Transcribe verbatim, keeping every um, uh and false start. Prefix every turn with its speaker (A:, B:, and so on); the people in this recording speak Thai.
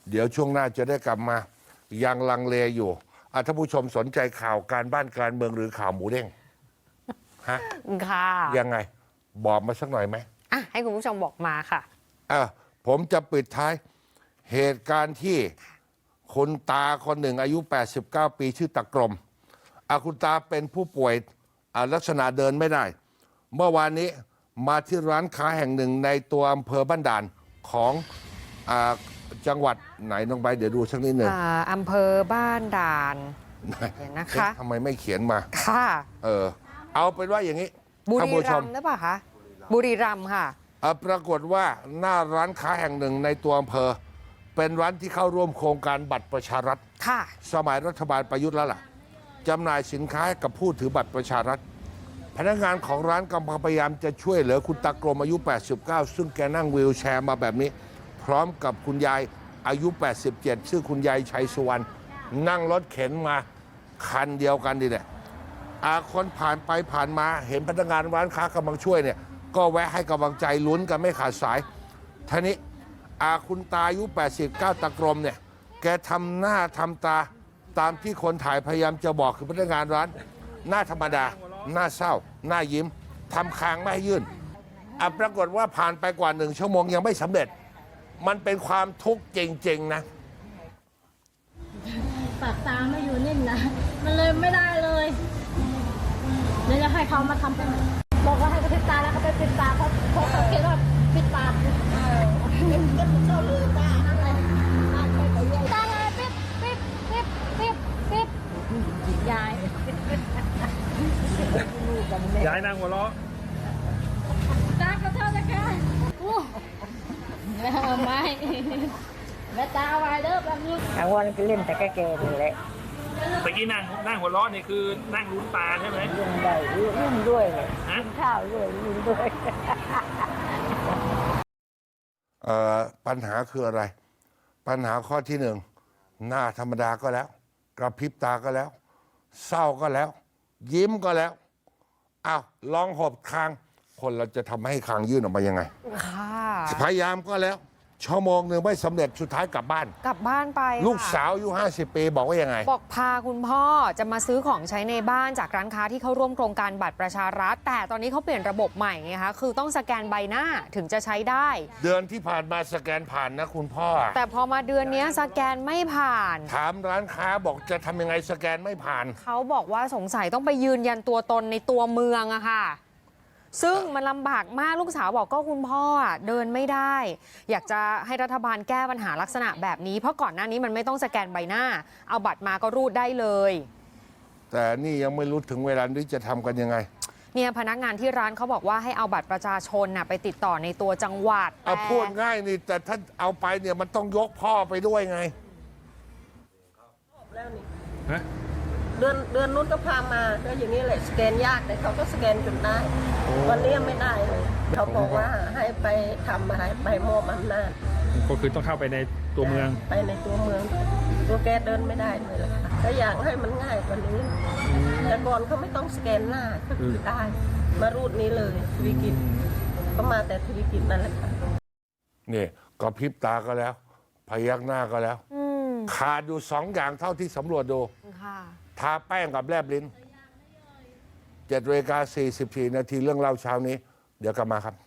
A: เดี๋ยวช่วงหน้าจะได้กลับมายังลังเลอยู่อ่ะท่านผู้ชมสนใจข่าวการบ้านการเมืองหรือข่าวหมูเด้งฮะ
B: ค่ะ
A: ยังไงบอกมาสักหน่อยไหม
B: อ่ะให้คุณผู้ชมบอกมาค่ะ
A: อ่ะผมจะปิดท้ายเหตุการณ์ที่คุณตาคนหนึ่งอายุแปดสิบเก้าปีชื่อตะกรมอ่ะคุณตาเป็นผู้ป่วยอ่ะลักษณะเดินไม่ได้เมื่อวานนี้มาที่ร้านค้าแห่งหนึ่งในตัวอำเภอบ้านด่านของอ่าจังหวัดไหนน้องใบเดี๋ยวดูสักนิดหนึ่ง
B: อ่าอำเภอบ้านด่านเห็นนะคะ
A: ทำไมไม่เขียนมา
B: ค่ะ
A: เออเอาเป็นว่าอย่างนี้
B: บุรีรัมย์หรือเปล่าคะบุรีรัมย์ค่ะ
A: ปรากฏว่าหน้าร้านค้าแห่งหนึ่งในตัวอำเภอเป็นร้านที่เข้าร่วมโครงการบัตรประชารัฐ
B: ค่ะ
A: สมัยรัฐบาลประยุทธ์แล้วล่ะจำหน่ายสินค้าให้กับผู้ถือบัตรประชารัฐพนักงานของร้านกำลังพยายามจะช่วยเหลือคุณตากรมอายุแปดสิบเก้าซึ่งแกนั่งวีลแชร์มาแบบนี้พร้อมกับคุณยายอายุแปดสิบเจ็ดชื่อคุณยายชัยสุวรรณนั่งรถเข็นมาคันเดียวกันดีแหละอาคนผ่านไปผ่านมาเห็นพนักงานร้านค้ากำลังช่วยเนี่ยก็แวะให้กำลังใจลุ้นกันไม่ขาดสายท่านี้อาคุณตาอายุแปดสิบเก้าตะกรมเนี่ยแกทำหน้าทำตาตามที่คนถ่ายพยายามจะบอกคือพนักงานร้านหน้าธรรมดาหน้าเศร้าหน้ายิ้มทำคางไม่ให้ยื่นอ่ะปรากฏว่าผ่านไปกว่าหนึ่งชั่วโมงยังไม่สำเร็จมันเป็นความทุกข์จริงๆนะ
C: ปากตาไม่อยู่นิ่งนะมันเลยไม่ได้เลยเดี๋ยวจะให้เขามาทำเป็นบอกว่าให้เขาปิดตาแล้วเขาไปปิดตาเขาเขาเขาคิดว่าปิดตาเออก็ชอบลืมตาอะไรตาเลยปิดปิดปิดปิดปิดยาย
D: ยายนางหัวเราะ
C: ตาเขาเท่าจะแค่ไม่แม่ตาไว้เด้อแบบนี้
E: กลางวันก็เล่นแต่แก่ๆนี่แหละ
D: ตะกี้นั่งนั่งหัวเราะนี่คือนั่งลุ้นตาใช่ไหม
E: ยุ่งได้ยุ่งด้วยเลยกินข้าวด้วยยุ่งด้วย
A: เอ่อปัญหาคืออะไรปัญหาข้อที่หนึ่งหน้าธรรมดาก็แล้วกระพริบตาก็แล้วเศร้าก็แล้วยิ้มก็แล้วอ้าวลองหอบคางคนเราจะทำให้คางยื่นออกมายังไงพยายามก็แล้วชั่วโมงหนึ่งไม่สำเร็จสุดท้ายกลับบ้าน
B: กลับบ้านไป
A: ลูกสาวอายุห้าสิบปีบอกว่ายังไง
B: บอกพาคุณพ่อจะมาซื้อของใช้ในบ้านจากร้านค้าที่เข้าร่วมโครงการบัตรประชารัฐแต่ตอนนี้เขาเปลี่ยนระบบใหม่ไงคะคือต้องสแกนใบหน้าถึงจะใช้ได้
A: เดือนที่ผ่านมาสแกนผ่านนะคุณพ่อ
B: แต่พอมาเดือนนี้สแกนไม่ผ่าน
A: ถามร้านค้าบอกจะทำยังไงสแกนไม่ผ่าน
B: เขาบอกว่าสงสัยต้องไปยืนยันตัวตนในตัวเมืองอะค่ะซึ่งมันลำบากมากลูกสาวบอกก็คุณพ่อเดินไม่ได้อยากจะให้รัฐบาลแก้ปัญหาลักษณะแบบนี้เพราะก่อนหน้านี้มันไม่ต้องสแกนใบหน้าเอาบัตรมาก็รูดได้เลย
A: แต่นี่ยังไม่รู้ถึงเวลาที่จะทำกันยังไง
B: เนี่ยพนักงานที่ร้านเขาบอกว่าให้เอาบัตรประชาชนน่ะไปติดต่อในตัวจังหวัด
A: เอาพูดง่ายนี่แต่ถ้าเอาไปเนี่ยมันต้องยกพ่อไปด้วยไง
E: ฮะเดือนเดือนนู้นก็พามาก็อย่างนี้แหละสแกนยากแต่เขาก็สแกนจนได้วันนี้ไม่ได้เลยเขาบอกว่าให้ไปทำอะไรไปมอบอำนาจ
D: ก็คือต้องเข้าไปในตัวเมือง
E: ไปในตัวเมืองตัวแกเดินไม่ได้เลยล่ะค่ะก็อยากให้มันง่ายกว่านี้แต่ก่อนเขาไม่ต้องสแกนหน้าก็คือได้มารูดนี้เลยธุรกิจก็มาแต่ธุรกิจนั่นแหละค่ะ
A: นี่ก็พริบตาก็แล้วพยักหน้าก็แล้วขาดอยู่สองอย่างเท่าที่สำรวจดูทาแป้งกับแลบลิ้นเจ็ดนาฬิกาสี่สิบสี่นาทีเรื่องเล่าเช้านี้เดี๋ยวกลับมาครับ